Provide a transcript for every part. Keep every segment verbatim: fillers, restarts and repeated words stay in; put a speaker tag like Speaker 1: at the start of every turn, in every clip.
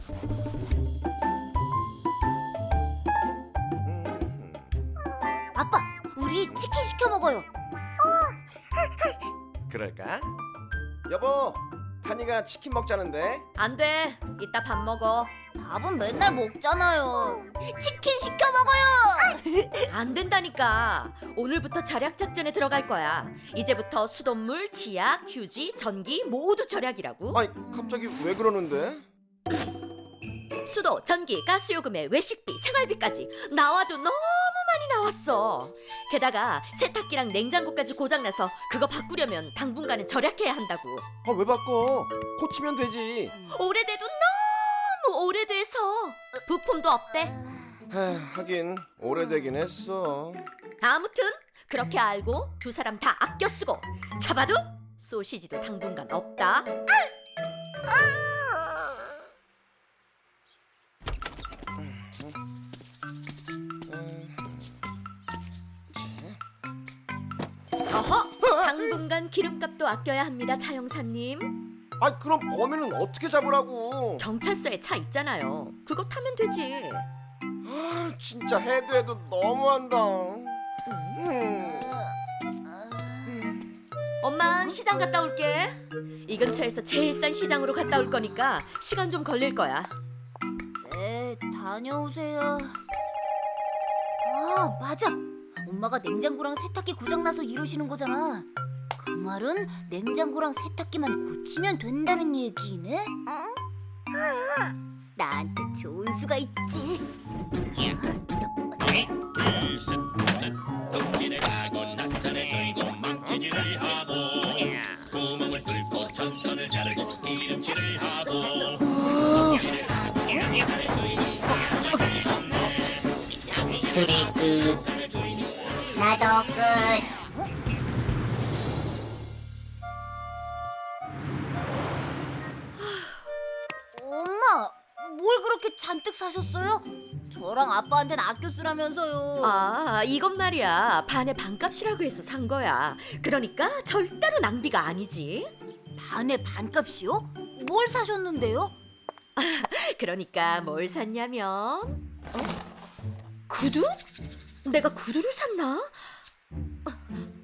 Speaker 1: 아빠, 우리 치킨 시켜 먹어요.
Speaker 2: 그럴까? 여보, 탄이가 치킨 먹자는데.
Speaker 3: 안 돼. 이따 밥 먹어.
Speaker 1: 밥은 맨날 먹잖아요. 치킨 시켜 먹어요.
Speaker 3: 안 된다니까. 오늘부터 절약 작전에 들어갈 거야. 이제부터 수돗물, 치약, 휴지, 전기 모두 절약이라고.
Speaker 2: 아니, 갑자기 왜 그러는데?
Speaker 3: 수도, 전기, 가스요금에 외식비, 생활비까지 나와도 너무 많이 나왔어. 게다가 세탁기랑 냉장고까지 고장나서 그거 바꾸려면 당분간은 절약해야 한다고.
Speaker 2: 아, 왜 바꿔? 고치면 되지.
Speaker 3: 오래돼도 너무 오래돼서 부품도 없대.
Speaker 2: 하, 하긴 오래되긴 했어.
Speaker 3: 아무튼 그렇게 알고 두 사람 다 아껴 쓰고 잡아도 소시지도 당분간 없다. 어허, 당분간 기름값도 아껴야 합니다, 차 형사님.
Speaker 2: 아, 그럼 범인은 어떻게 잡으라고?
Speaker 3: 경찰서에 차 있잖아요. 그거 타면 되지.
Speaker 2: 아, 진짜 해도 해도 너무한다. 음.
Speaker 3: 엄마, 시장 갔다 올게. 이 근처에서 제일 싼 시장으로 갔다 올 거니까 시간 좀 걸릴 거야.
Speaker 1: 네, 다녀오세요. 아, 맞아. 엄마가 냉장고랑 세탁기 고장나서 이러시는 거잖아. 그 말은 냉장고랑 세탁기만 고치면 된다는 얘기네? 나한테 좋은 수가 있지.
Speaker 4: 둘셋 덕질에 가고 낯선에 조이고 망치질을 하고 구멍을 뚫고 전선을 자르고 기름칠을 하고 덕질을 하고 낯선에 조이고
Speaker 5: 수리 끝. 나도 끝.
Speaker 1: 엄마, 뭘 그렇게 잔뜩 사셨어요? 저랑 아빠한테는 아껴 쓰라면서요.
Speaker 3: 아, 이것 말이야. 반의 반값이라고 해서 산 거야. 그러니까 절대로 낭비가 아니지.
Speaker 1: 반의 반값이요? 뭘 사셨는데요?
Speaker 3: 그러니까 뭘 샀냐면 어? 구두? 내가 구두를 샀나? 아,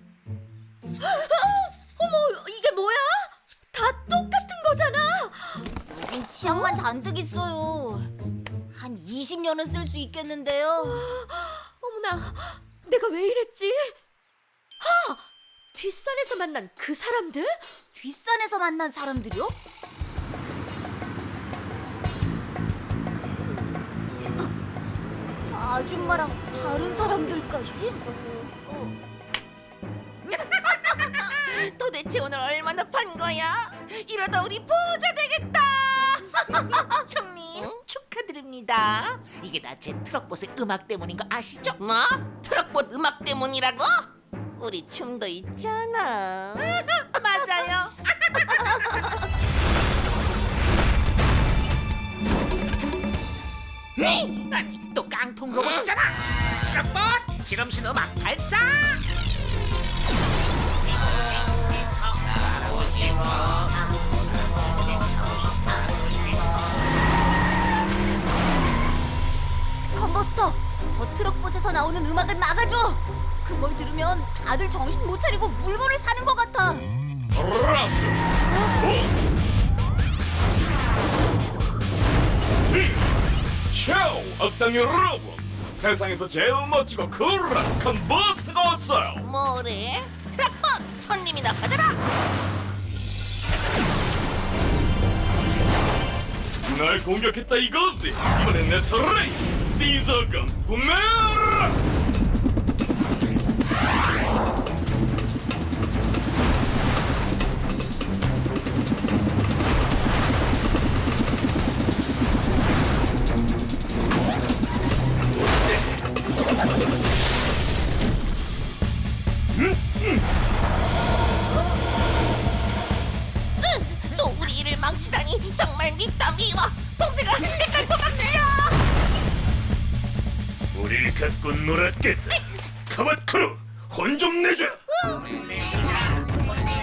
Speaker 3: 어머, 이게 뭐야? 다 똑같은 거잖아.
Speaker 1: 여긴 치약만 잔뜩 있어요. 한 이십 년은 쓸 수 있겠는데요.
Speaker 3: 어머나, 내가 왜 이랬지? 아, 뒷산에서 만난 그 사람들?
Speaker 1: 뒷산에서 만난 사람들이요? 아줌마랑 다른 사람들까지?
Speaker 6: 도대체 오늘 얼마나 판 거야? 이러다 우리 부자 되겠다. 형님 축하드립니다. 이게 다 제 트럭봇의 음악 때문인 거 아시죠? 뭐? 트럭봇 음악 때문이라고? 우리 춤도 있잖아. 맞아요. 네? 아니, 또 깡통 로봇이잖아. 트럭봇 지름신 음악 발사.
Speaker 1: 컨버스터, 저 트럭봇에서 나오는 음악을 막아줘. 그걸 들으면 다들 정신 못 차리고 물건을 사는 것 같아.
Speaker 7: 샤오! 악당 여러분! 세상에서 제일 멋지고 쿨한 컨버스트가 왔어요!
Speaker 6: 뭐래? 트럭봇 손님이나 받아라.
Speaker 7: 날 공격했다 이거지! 이번엔 내 차례! 시저금 구매하라!
Speaker 6: 또 우리 일을 망치다니 정말 밉다 미워. 동생아, 내가 도망치려.
Speaker 7: 우릴 갖고 놀았겠다! 카봇 크루! 혼 좀 내줘!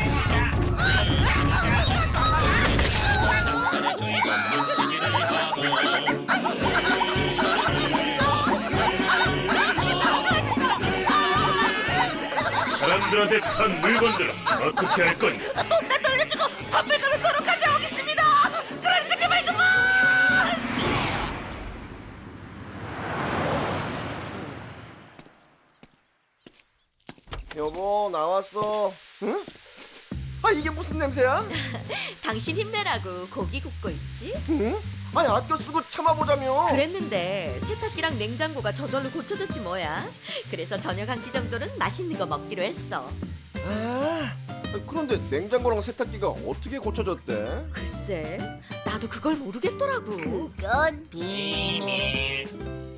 Speaker 4: 낯선에 조이고 망치질을 하고
Speaker 7: 친구들한테 판 물건들은 어떻게 할 거냐?
Speaker 6: 돈 다 돌려주고 화물가로 도로 가져오겠습니다. 그러니까 제발 그만.
Speaker 2: 여보 나왔어. 응? 아 이게 무슨 냄새야?
Speaker 3: 당신 힘내라고 고기 굽고 있지?
Speaker 2: 응? 아니 아껴 쓰고 참아보자며.
Speaker 3: 그랬는데 세탁기랑 냉장고가 저절로 고쳐졌지 뭐야. 그래서 저녁 한 끼 정도는 맛있는 거 먹기로 했어.
Speaker 2: 아, 그런데 냉장고랑 세탁기가 어떻게 고쳐졌대?
Speaker 3: 글쎄, 나도 그걸 모르겠더라고.
Speaker 1: 그건
Speaker 5: 비밀